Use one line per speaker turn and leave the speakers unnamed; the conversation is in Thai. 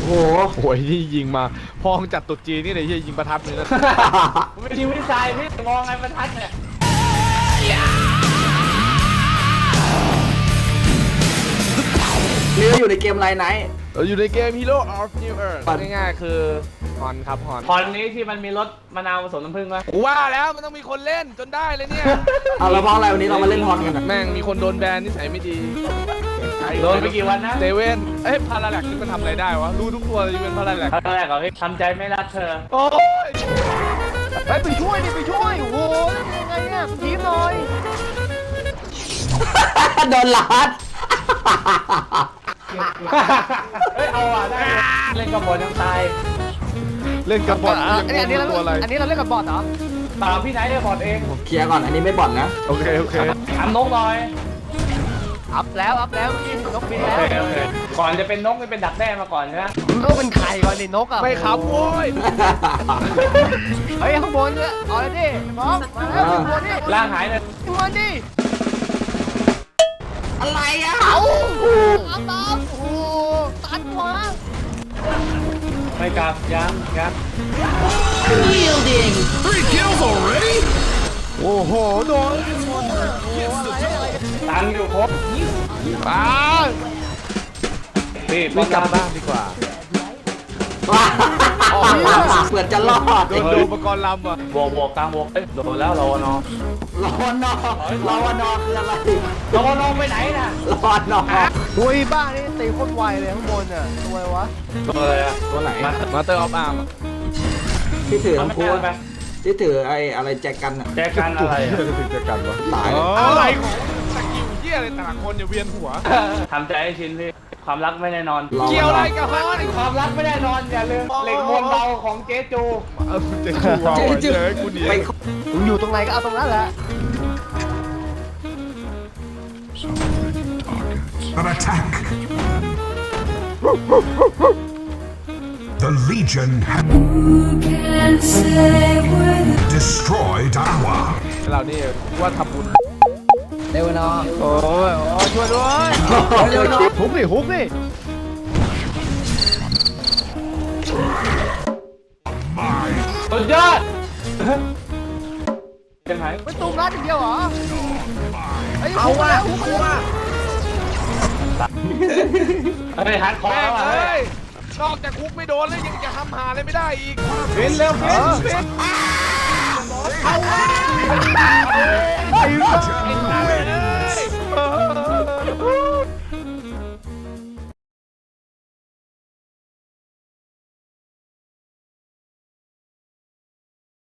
โห
โอ้ยที่ยิงมาพองจัดตุดจีนนี่เลยที่ยิงประทัดเลยนะ
ไม่ยิงไม่ใช่พี่มองไงประทัดเนี่ย
นี่เราอยู่ในเกมไลน์ไนท์
เราอยู่ในเกม Hero of New Earth ง่ายๆคือฮอนครับฮอน
พรนี้ที่มันมีรสมะนาวผสมน้ำผึ้งป่ะ
ว่าแล้วมันต้องมีคนเล่นจนได้เลยเนี่ย
เอาแล้วเพราะอะไรวันนี้เรามาเล่นฮอนกันอะ
แม่งมีคนโดนแบนนิสัยไม่ดี
โดนไปกี่วันนะ
เซเว่นพาราแลกนี่มันทำอะไรได้วะรู้ทุกตัวเลยเป็นพาราแลก
ครั้งแรกเหรอพี่ทำใจไม่รักเธอ
โอ้ย
ไปช่วยดิไปช่วยโอ้โหยังไงเนี่ยทีมหน่อย
โดนลัด
เฮ้ยเอาอ่ะได้เล่นกับบอลยังตาย
เล่นกับบอล
อันนี้เรา
ตัวอะไร
อันนี้เราเล่นกับบอลเหรอ
เปล่าพี่ไหนได้บอลเอง
เคลียร์ก่อนอันนี้ไม่บ่อนนะ
โอเคโอเค
ถามนกหน่อย
อัพแล้วนี่นกบิน
โอ
แล้ว
เคโอเคก่อนจะเป็นนกนี่เป็นดักแด้มาก่อนใช่ไหม
นกเป็นไข่ก่อนดินกอ่ะ
ไม่ขับโว้ย
เฮ้ยข้างบนเนี่ยเอาเลยดิมองมาแล้วข้างบนดิ
ล่างหายเลย
ข้างบนดิ
อะไรอ่ะ
เอาอัพตามโอ้ตันวะ
ไม่กลับยัง
โอ้โหโดน
ตังค์อยู่ครบ
อ้า
พี่
ไม่กลับบ้านดีกว่า
เปิดจะรอด
โดนอุปกรณ์ลำอ่ะ
บวกกลางบวกเอ้ยโดนแล้วรอนอ
รอนอรอนอคืออะไร
รอนอไปไหนน่ะ
รอนอ
อุ้ยบ้านี่ตีโคตรไวเลยข้างบนอ่ะทำไมวะ
ตัวอะไรอ่ะ
ตัวไหน
มาเตอร์ออฟอาร์ม
ที่ถือ
มัน
ทั้ง
ไม่
คู่
ได้ไป
ที่ถือไอ้อะไรแจกันอ่ะ
แจกันอะไรอ่ะ
ถึงจะกันวะ
ตาย
อะไรของสกิลเยี่ยอะไรแต่ละคนอย่าเวียนหัว
ทำใจให้ชินพี่ความรักไม่แน่นอน
เกี่ยวอะไรกับฮอน
ความรักไม่แน่นอนอย่าลืมเหล็กมวลเบาของเจ๊จู
จะชูวาวเจอกูหนี
ไป
มึงอยู่ตรงไหนก็เอาตรงนั้นแหละ
An attack. The Legion have destroyed our.
เรานี่ว่าทำบุญ
เร็วเนาะ
โอ้ยช่วยด้วยฮุกดิฮุกดิ
สุดยอดยังไง
ไม่ตุ้มรัดอย่างเดียวเหรอ
เอาว่ะฮุกว่ะ
เฮ้ยฮัดคอ
แม่
แล้ว
ง
อ่ะ
เอ้ยนอกจากฮุกไม่โดนแล้วยังจะทำหาอะไรไม่ได้อีก
ฟินเร็วฟินฟิน
เอาว่ะไอ้